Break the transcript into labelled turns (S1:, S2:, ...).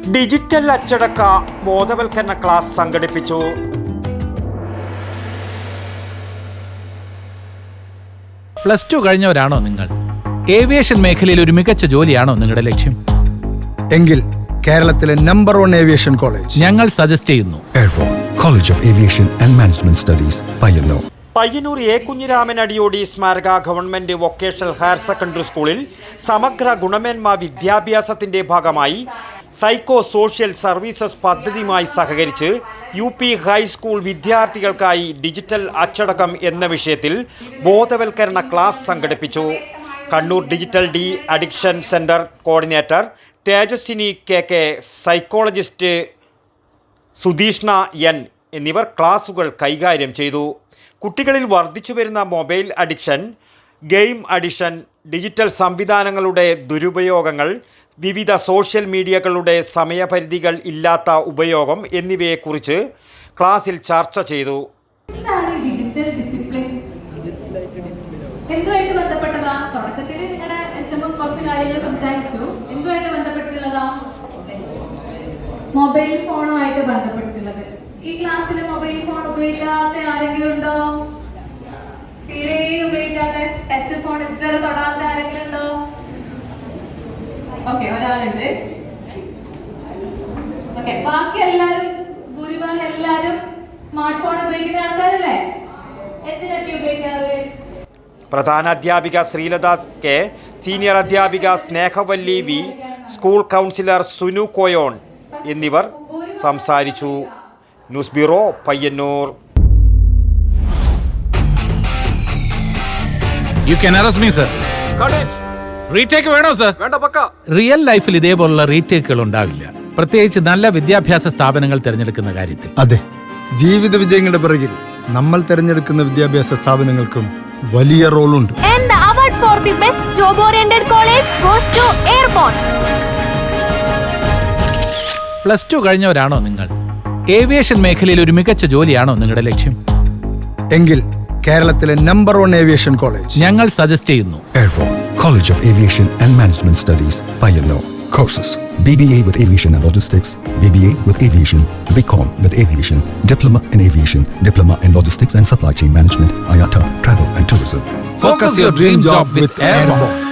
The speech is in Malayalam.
S1: ഡിജിറ്റൽ അച്ചടക്ക ബോധവൽക്കരണ ക്ലാസ് സംഘടിപ്പിച്ചു.
S2: പ്ലസ് ടു കഴിഞ്ഞവരാണോ നിങ്ങൾ? ഏവിയേഷൻ മേഖലയിൽ ഒരു മികച്ച ജോലിയാണോ നിങ്ങളുടെ ലക്ഷ്യം?
S3: എങ്കിൽ കേരളത്തിലെ നമ്പർ 1 ഏവിയേഷൻ കോളേജ്
S2: ഞങ്ങൾ സജസ്റ്റ് ചെയ്യുന്നു.
S4: Airport college of aviation and management studies, Payyanur.
S1: Payyanur A Kunhiraman Adiyodi സ്മാരക ഗവൺമെന്റ് വൊക്കേഷണൽ ഹയർ സെക്കൻഡറി സ്കൂളിൽ സമഗ്ര ഗുണമേന്മ വിദ്യാഭ്യാസത്തിന്റെ ഭാഗമായി സൈക്കോ സോഷ്യൽ സർവീസസ് പദ്ധതിയുമായി സഹകരിച്ച് UP ഹൈസ്കൂൾ വിദ്യാർത്ഥികൾക്കായി ഡിജിറ്റൽ അച്ചടക്കം എന്ന വിഷയത്തിൽ ബോധവൽക്കരണ ക്ലാസ് സംഘടിപ്പിച്ചു. Kannur digital de addiction centre coordinator Tejaswini KK, psychologist Sudheeshna N എന്നിവർ ക്ലാസുകൾ കൈകാര്യം ചെയ്തു. കുട്ടികളിൽ വർദ്ധിച്ചു വരുന്ന mobile addiction, game addiction, digital സംവിധാനങ്ങളുടെ ദുരുപയോഗങ്ങൾ, വിവിധ സോഷ്യൽ മീഡിയകളുടെ സമയപരിധികൾ ഇല്ലാത്ത ഉപയോഗം എന്നിവയെക്കുറിച്ച് ക്ലാസ്സിൽ ചർച്ച ചെയ്തു.
S5: ഡിജിറ്റൽ ഡിസിപ്ലിൻ എന്തുമായിട്ട് ബന്ധപ്പെട്ടതാ? തുടക്കത്തിൽ നിങ്ങളുടെ കുറച്ച് കാര്യങ്ങൾ സംസാരിച്ചു. എന്തുമായിട്ട് ബന്ധപ്പെട്ടുള്ളതാ? മൊബൈൽ ഫോണുമായിട്ട് ബന്ധപ്പെട്ടിട്ടുള്ളത്. ഈ ക്ലാസ്സിൽ മൊബൈൽ ഫോൺ ഉപയോഗിക്കാത്ത ആരെങ്കിലും ഉണ്ടോ? തീരെ ഉപയോഗിക്കാത്ത, ടച്ച് ഫോൺ ഇതുവരെ തൊടാത്ത ആരെങ്കിലും ഉണ്ടോ? ഓക്കെ, ഒരാളുണ്ട്. ഓക്കെ, ബാക്കി എല്ലാരും, ഭൂരിഭാഗം എല്ലാരും സ്മാർട്ട് ഫോൺ ഉപയോഗിക്കുന്ന ആൾക്കാരല്ലേ? എന്തിനൊക്കെ ഉപയോഗിക്കാറ്?
S1: പ്രധാന അധ്യാപിക ശ്രീലത K, സീനിയർ അധ്യാപിക Snehavalli V, school counsellor Sunu Koyon എന്നിവർ സംസാരിച്ചു. News bureau, Payyanur.
S2: You can arrest me, sir. Retake വേണോ സർ? റിയൽ ലൈഫിൽ ഇതേപോലുള്ള റീടേക്കുകൾ ഉണ്ടാവില്ല, പ്രത്യേകിച്ച് നല്ല വിദ്യാഭ്യാസ സ്ഥാപനങ്ങൾ തിരഞ്ഞെടുക്കുന്ന കാര്യത്തിൽ.
S3: അതെ, ജീവിത വിജയങ്ങളുടെ പിറകിൽ നമ്മൾ തിരഞ്ഞെടുക്കുന്ന വിദ്യാഭ്യാസ സ്ഥാപനങ്ങൾക്കും വലിയ റോളുണ്ട്.
S6: And the award for the best job-oriented college goes to Airborne.
S2: Plus two കഴിഞ്ഞവരാണോ നിങ്ങൾ? ഏവിയേഷൻ മേഖലയിൽ ഒരു മികച്ച ജോലിയാണോ നിങ്ങളുടെ ലക്ഷ്യം?
S3: എങ്കിൽ കേരളത്തിലെ നമ്പർ 1 ഏവിയേഷൻ കോളേജ്
S2: ഞങ്ങൾ സജസ്റ്റ് ചെയ്യുന്നു.
S4: Airport college of aviation and management studies, Payyanur. Courses: BBA with Aviation and Logistics, BBA with Aviation, BCom with Aviation, Diploma in Aviation, Diploma in Logistics and Supply Chain Management, IATA, Travel and Tourism.
S2: Focus your dream job with Airborne.